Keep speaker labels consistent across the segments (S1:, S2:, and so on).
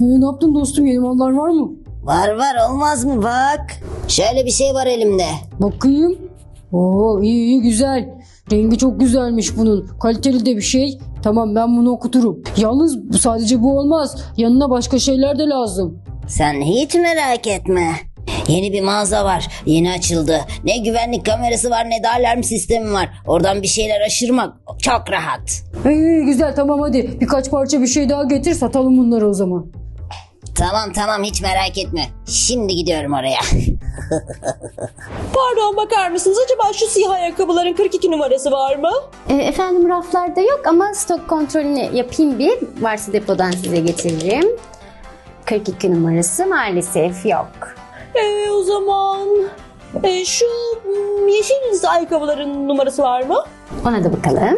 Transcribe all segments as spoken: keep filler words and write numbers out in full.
S1: Ee, ne yaptın dostum, yeni mallar var mı?
S2: Var var, olmaz mı bak. Şöyle bir şey var elimde.
S1: Bakayım. Oo, iyi iyi, güzel. Rengi çok güzelmiş bunun. Kaliteli de bir şey. Tamam, ben bunu okuturum. Yalnız bu- sadece bu olmaz. Yanına başka şeyler de lazım.
S2: Sen hiç merak etme. Yeni bir mağaza var. Yeni açıldı. Ne güvenlik kamerası var ne de alarm sistemi var. Oradan bir şeyler aşırmak çok rahat.
S1: İyi iyi, güzel, tamam hadi. Birkaç parça bir şey daha getir, satalım bunları o zaman.
S2: Tamam tamam, hiç merak etme. Şimdi gidiyorum oraya.
S3: Pardon, bakar mısınız? Acaba şu siyah ayakkabıların kırk iki numarası var mı?
S4: E, efendim raflarda yok ama stok kontrolünü yapayım bir. Varsa depodan size getiririm. kırk iki numarası maalesef yok.
S3: Ee, o zaman e, şu mm, yeşil ayakkabıların numarası var mı?
S4: Ona da bakalım.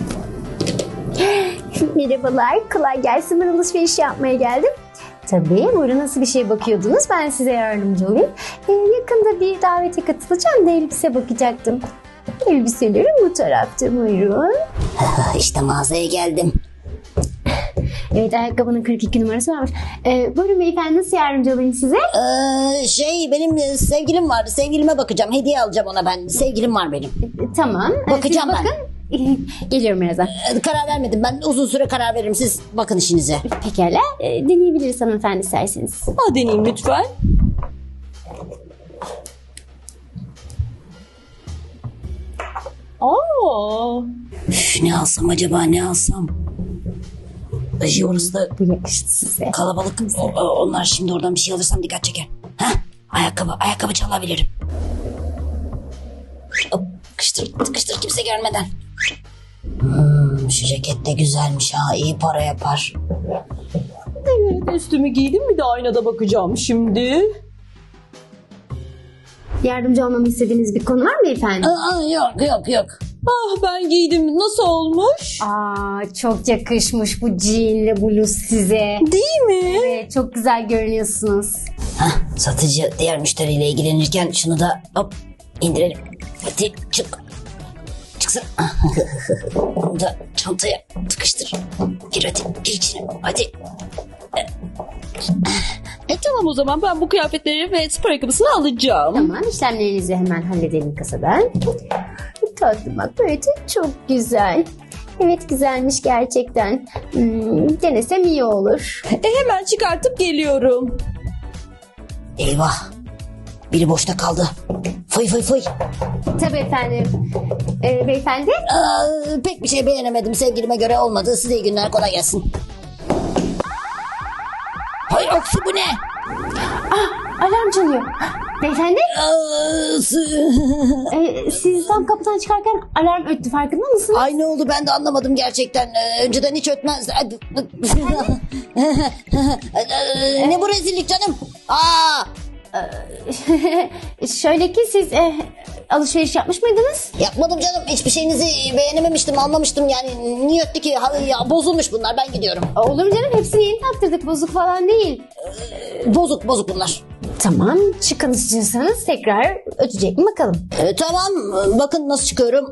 S4: Merhabalar, kolay gelsin. Ben alışveriş yapmaya geldim. Tabii, buyurun, nasıl bir şey bakıyordunuz? Ben size yardımcı olayım. Ee, yakında bir davete katılacağım da elbise bakacaktım. Elbiselerim bu tarafta, buyurun.
S2: İşte mağazaya geldim.
S4: Evet, ayakkabının kırk iki numarası varmış. Ee, buyurun beyefendi, nasıl yardımcı olayım size?
S2: Ee, şey benim sevgilim vardı. Sevgilime bakacağım. Hediye alacağım ona ben. Sevgilim var benim.
S4: Ee, tamam. Ee,
S2: Bakacağım
S4: siz
S2: ben.
S4: bakın. Geliyorum birazdan.
S2: Ee, karar vermedim. Ben uzun süre karar veririm. Siz bakın işinize.
S4: Pekala. Ee, deneyebiliriz hanımefendi isterseniz.
S3: Ha, deneyeyim lütfen. Aa,
S2: Üf, ne alsam acaba, ne alsam? Ay, orası da
S4: Bu yakıştı size.
S2: kalabalık. O- o- Onlar şimdi oradan bir şey alırsam dikkat çeker. Heh, ayakkabı, ayakkabı çalabilirim. Hop, tıkıştır, tıkıştır kimse görmeden. Hmm, şu ceket de güzelmiş ha, iyi para yapar.
S3: evet, üstümü giydim, bir de aynada bakacağım şimdi.
S4: Yardımcı olmamı istediğiniz bir konu var mı efendim?
S2: Aa, yok yok yok.
S3: Ah, ben giydim. Nasıl olmuş?
S4: Aa, çok yakışmış bu jeanle bluz size.
S3: Değil mi?
S4: Evet, çok güzel görünüyorsunuz.
S2: Heh, satıcı diğer müşteriyle ilgilenirken şunu da hop indirelim. Hadi çık. Çıksın. Bunu da çantaya tıkıştır. Gir hadi, gir içine. Hadi.
S3: E tamam, o zaman ben bu kıyafetleri ve spor ayakkabısını alacağım.
S4: Tamam, işlemlerinizi hemen halledelim kasadan. Tatlım, bak böyle çok güzel. Evet, güzelmiş gerçekten. Hmm, denesem iyi olur.
S3: E hemen çıkartıp geliyorum.
S2: Eyvah. Biri boşta kaldı. Fıy fıy fıy.
S4: Tabii efendim. Ee, beyefendi?
S2: Aa, pek bir şey beğenemedim. Sevgilime göre olmadı. Size iyi günler, kolay gelsin. Hay aksi, bu ne?
S4: Alarm çalıyor. Beyefendi?
S2: Aa, sı-
S4: Ee, siz tam kapıdan çıkarken alarm öttü, farkında mısınız?
S2: Ay, ne oldu, ben de anlamadım gerçekten. Ee, önceden hiç ötmez. Ne bu rezillik canım? Aa,
S4: Şöyle ki siz e, alışveriş yapmış mıydınız?
S2: yapmadım canım. Hiçbir şeyinizi beğenememiştim, almamıştım. Yani niye öttü ki? Ha, ya, bozulmuş bunlar, ben gidiyorum.
S4: Olur mu canım, hepsini yeni taktırdık, bozuk falan değil.
S2: Bozuk bozuk bunlar.
S4: Tamam, çıkın istiyorsanız tekrar ötecek mi bakalım.
S2: Ee, tamam, bakın nasıl çıkıyorum.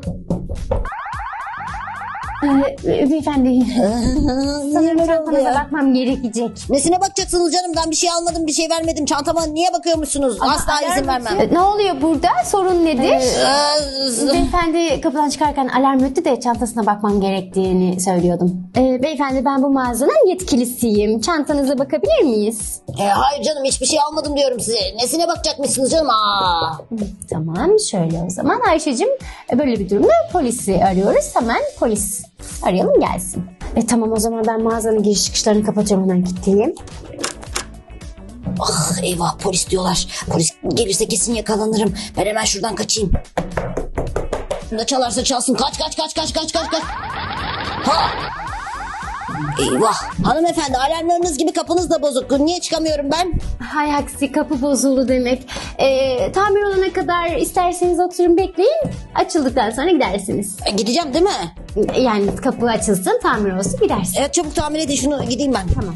S4: Ee, beyefendi, sanırım
S2: Neler oldu
S4: çantanıza
S2: ya?
S4: bakmam gerekecek.
S2: Nesine bakacaksınız canım? Ben bir şey almadım, bir şey vermedim. Çantama niye bakıyormuşsunuz? Asla izin vermem.
S4: Ee, Ne oluyor burada? Sorun nedir?
S2: Ee,
S4: Beyefendi kapıdan çıkarken alarm öttü de çantasına bakmam gerektiğini söylüyordum. Ee, beyefendi, ben bu mağazanın yetkilisiyim. Çantanıza bakabilir miyiz?
S2: e, hayır canım, hiçbir şey almadım diyorum size. Nesine bakacakmışsınız canım? Aa.
S4: Tamam, şöyle o zaman Ayşe'cim, böyle bir durumda polisi arıyoruz. Hemen polis arayalım, gelsin. E tamam, o zaman ben mağazanın giriş çıkışlarını kapatacağım, hemen kilitleyeyim.
S2: Ah, eyvah, polis diyorlar. Polis gelirse kesin yakalanırım. Ben hemen şuradan kaçayım. Ne çalarsa çalsın. Kaç kaç kaç kaç kaç kaç kaç. Ha! Eyvah. Hanımefendi, alarmlarınız gibi kapınız da bozuk. Niye çıkamıyorum ben?
S4: Hay aksi, kapı bozuldu demek. E, tamir olana kadar isterseniz oturun bekleyin. Açıldıktan sonra gidersiniz.
S2: E, gideceğim değil mi?
S4: Yani kapı açılsın, tamir olsun, gidersiniz.
S2: Evet, çabuk tamir edin şunu, gideyim ben.
S4: Tamam.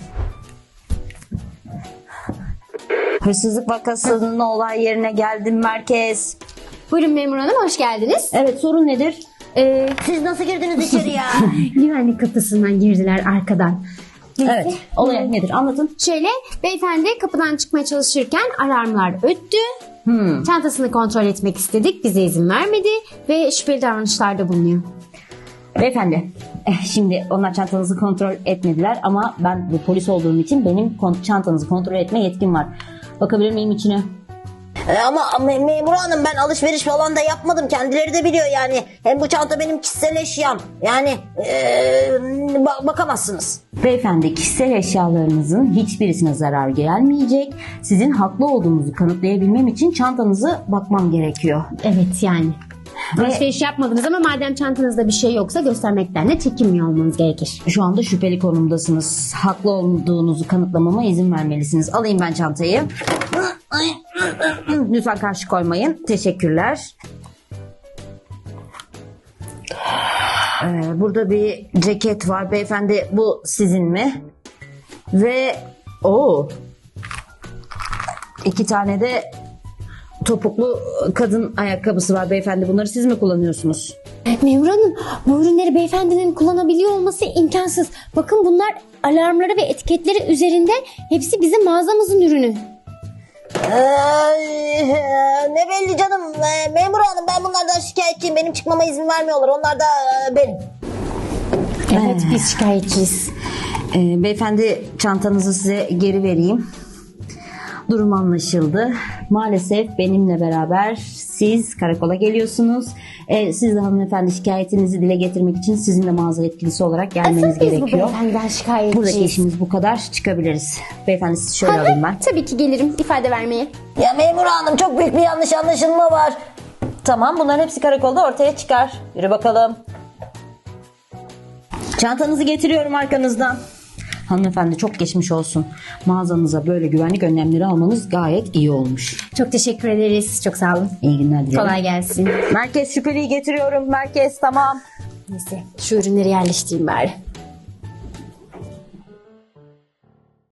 S5: Hırsızlık vakasının olay yerine geldim, merkez.
S4: Buyurun memur hanım, hoş geldiniz.
S5: Evet, sorun nedir?
S4: Ee,
S2: Siz nasıl girdiniz içeri ya?
S4: güvenlik kapısından girdiler arkadan.
S5: Evet. Olay nedir? Anlatın.
S4: Şöyle, beyefendi kapıdan çıkmaya çalışırken alarmlar öttü.
S5: Hmm.
S4: Çantasını kontrol etmek istedik. Bize izin vermedi ve şüpheli davranışlarda bulunuyor.
S5: Beyefendi, eh, şimdi onlar çantanızı kontrol etmediler ama ben bir polis olduğum için benim kon- çantanızı kontrol etme yetkim var. Bakabilir miyim içine?
S2: E, ama me- memur hanım ben alışveriş falan da yapmadım. Kendileri de biliyor yani. Hem bu çanta benim kişisel eşyam. Yani e, ba- bakamazsınız.
S5: Beyefendi, kişisel eşyalarınızın hiçbirisine zarar gelmeyecek. Sizin haklı olduğunuzu kanıtlayabilmem için çantanızı bakmam gerekiyor.
S4: Evet yani. Alışveriş yapmadınız ama madem çantanızda bir şey yoksa göstermekten de çekinmiyor olmanız gerekir.
S5: Şu anda şüpheli konumdasınız. Haklı olduğunuzu kanıtlamama izin vermelisiniz. Alayım ben çantayı. Lütfen karşı koymayın. Teşekkürler. Ee, burada bir ceket var. Beyefendi bu sizin mi? Ve o iki tane de topuklu kadın ayakkabısı var beyefendi. Bunları siz mi kullanıyorsunuz?
S4: Memur Hanım, bu ürünleri beyefendinin kullanabiliyor olması imkansız. Bakın bunlar alarmları ve etiketleri üzerinde. Hepsi bizim mağazamızın ürünü.
S2: Ee, ne belli canım. Ee, memur hanım ben bunlardan şikayetçiyim. Benim çıkmama izin vermiyorlar. Onlar da e, benim.
S4: Evet, biz şikayetçiyiz.
S5: Ee, beyefendi çantanızı size geri vereyim. Durum anlaşıldı. Maalesef benimle beraber siz karakola geliyorsunuz. Ee, siz de hanımefendi şikayetinizi dile getirmek için sizin de mağaza yetkilisi olarak gelmeniz
S4: Asıl biz bu
S5: gerekiyor.
S4: beyefendiden şikayetçiyiz.
S5: Buradaki işimiz bu kadar. Çıkabiliriz. Beyefendi sizi şöyle
S4: Hı hı,
S5: alayım ben.
S4: Tabii ki gelirim ifade vermeye.
S2: Ya memur hanım çok büyük bir yanlış anlaşılma var.
S3: Tamam, bunların hepsi karakolda ortaya çıkar. Yürü bakalım.
S5: Çantanızı getiriyorum arkanızdan. Hanımefendi çok geçmiş olsun. Mağazanıza böyle güvenlik önlemleri almanız gayet iyi olmuş.
S4: Çok teşekkür ederiz. Çok sağ olun.
S5: İyi günler dilerim.
S4: Kolay gelsin.
S3: Merkez şüpheliyi getiriyorum. Merkez tamam.
S4: Neyse şu ürünleri yerleştireyim bari.